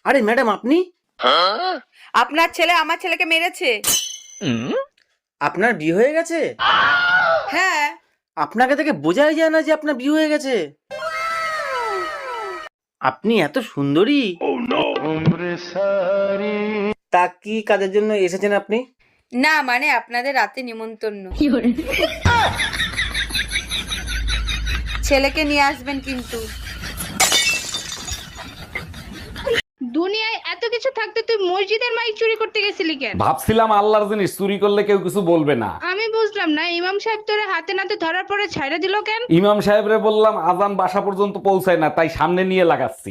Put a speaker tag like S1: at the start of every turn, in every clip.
S1: আরে ম্যাডাম আপনি?
S2: আপনার ছেলে আমার ছেলেকে মেরেছে।
S1: আপনার বিয়ে হয়ে গেছে?
S2: হ্যাঁ।
S1: আপনাকে দেখে বোঝাই যায় না যে আপনার বিয়ে হয়ে গেছে। আপনি এত সুন্দরী। তা কি কাজের জন্য এসেছেন আপনি?
S2: না মানে আপনাদের রাতে নিমন্ত্রণ। ছেলেকে নিয়ে আসবেন কিন্তু।
S3: দুনিয়ায় এত কিছু থাকতে তুই মসজিদের মাইক চুরি করতে গেছিলি কেন?
S4: ভাবছিলাম আল্লাহর জিনিস চুরি করলে কেউ কিছু বলবে না।
S3: আমি বুঝলাম না, ইমাম সাহেব তোরে হাতে নাতে ধরার পরে ছাইড়া দিল কেন?
S4: ইমাম সাহেবরে বললাম আজান বাসা পর্যন্ত পৌঁছায় না, তাই সামনে নিয়ে লাগাচ্ছি।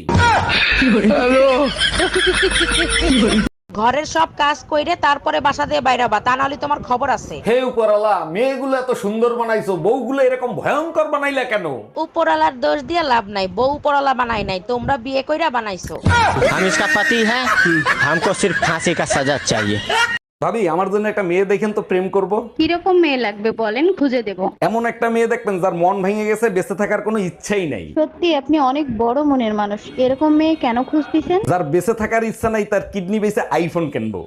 S5: ঘরের সব কাজ কইরে তারপরে বাসা দিয়ে বাইরাবা, তা নাহলে তোমার খবর আছে।
S4: হে উপরালা, মেয়েগুলো এত সুন্দর বানাইছো, বউগুলো এরকম ভয়ঙ্কর বানাইলা কেন?
S5: উপরালার দোষ দিয়ে লাভ নাই, বউ উপরালা বানাই নাই, তোমরা বিয়ে কইরা বানাইছো।
S6: हम इसका पति है, हमको सिर्फ फांसी का सजा चाहिए।
S4: ভাবি আমার জন্য একটা মেয়ে দেখেন তো, প্রেম করব।
S3: কিরকম মেয়ে লাগবে বলেন, খুঁজে দেব।
S4: এমন একটা মেয়ে দেখবেন যার মন ভেঙে গেছে, বেঁচে থাকার কোনো ইচ্ছাই নাই।
S3: সত্যি আপনি অনেক বড় মনের মানুষ, এরকম মেয়ে কেন খুঁজতেছেন?
S4: যার বেঁচে থাকার ইচ্ছা নাই, তার কিডনি বেঁচে আইফোন কিনবো।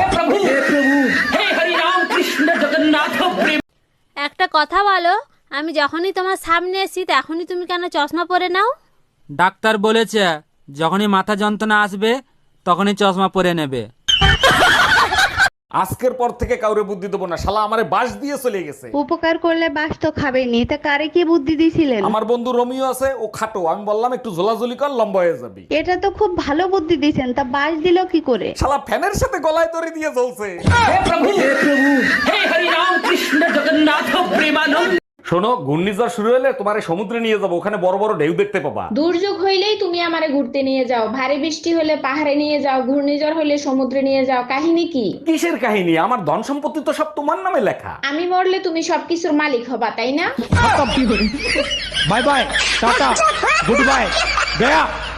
S7: একটা কথা বলো, আমি যখনই তোমার সামনে এসি তখনই তুমি কেন চশমা পরে নাও?
S8: ডাক্তার বলেছে যখনই মাথা যন্ত্রণা আসবে তখনই চশমা পরে নেবে।
S4: আজকের পর থেকে কাউরে বুদ্ধি দেবো না, শালা আমারে বাস দিয়ে চলে গেছে।
S3: উপকার করলে বাস তো খাবেনি, তা কারে কি বুদ্ধি দিছিলেন?
S4: আমার বন্ধু রোমিও আছে, ও খাটো, আমি বললাম একটু ঝোলাঝুলি কর, লম্বা হয়ে যাবি।
S3: এটা তো খুব ভালো বুদ্ধি দিছেন, তা বাস দিল কি করে?
S4: শালা ফ্যানের সাথে গলায় দড়ি দিয়ে জ্বলছে। শোনো, ঘূর্ণিঝড় শুরু হলে তোমারে সমুদ্রে নিয়ে যাবো, ওখানে বড় বড় ঢেউ দেখতে পাবা।
S9: দুর্যোগ হইলেই তুমি আমারে ঘুরতে নিয়ে যাও, ভারী বৃষ্টি হলে পাহাড়ে নিয়ে যাও, ঘূর্ণিঝড় হলে সমুদ্রে নিয়ে যাও। কাহিনী কি?
S4: কিসের কাহিনী? আমার ধন সম্পত্তি তো সব তোমার নামে লেখা।
S9: আমি মরলে তুমি সবকিছুর মালিক হবা, তাই না?
S6: Bye bye, tata, good bye, गया।